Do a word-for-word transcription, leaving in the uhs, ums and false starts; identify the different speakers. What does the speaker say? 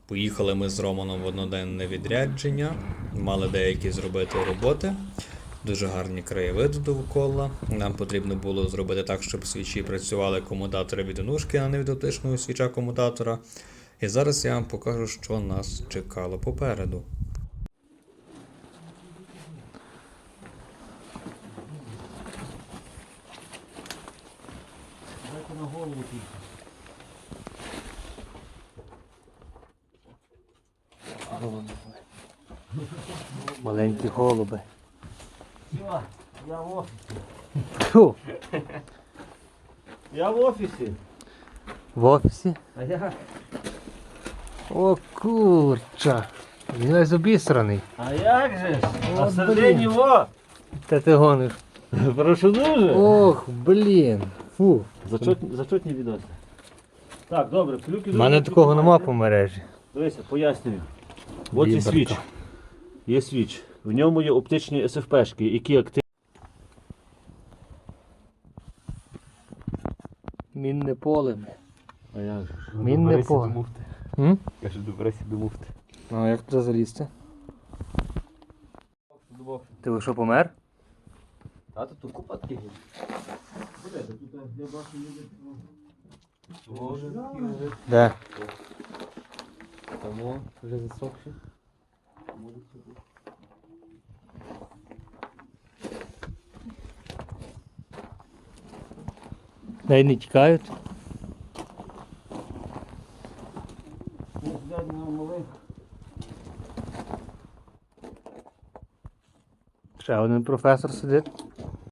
Speaker 1: Поїхали ми з Романом в одноденне відрядження, мали деякі зробити роботи, дуже гарні краєвиди довкола. Нам потрібно було зробити так, щоб свічі працювали комутатори від онушки, а не від оптичного свіча комутатора. І зараз я вам покажу, що нас чекало попереду.
Speaker 2: Дайте на голову тільки.
Speaker 3: Маленькі голуби.
Speaker 2: Все, я в офісі.
Speaker 3: Фу,
Speaker 2: Я в офісі.
Speaker 3: в офісі.
Speaker 2: А я?
Speaker 3: О, курча. Він весь обісраний.
Speaker 2: А як же ж?
Speaker 3: О,
Speaker 2: А всередині
Speaker 3: блін.
Speaker 2: во!
Speaker 3: Та ти гониш.
Speaker 2: Прошу дуже.
Speaker 3: Ох, блін. Фу.
Speaker 2: Зачетні відоси. Так, добре, клюки.
Speaker 3: У мене такого нема по мережі.
Speaker 2: Дивися, пояснюю. От є
Speaker 3: Віберка.
Speaker 2: свіч. Є свіч. В ньому є оптичні ес еф пешки, які активні.
Speaker 3: Мінне поле.
Speaker 2: А як же?
Speaker 3: Мінне поле. М?
Speaker 4: Каже, добирайся до муфти.
Speaker 3: А як туди залізти? Ти ви що, помер?
Speaker 4: А тут купа таких.
Speaker 3: Де?
Speaker 4: Тому вже засохши.
Speaker 3: Дай не тікають. Ще один професор сидить.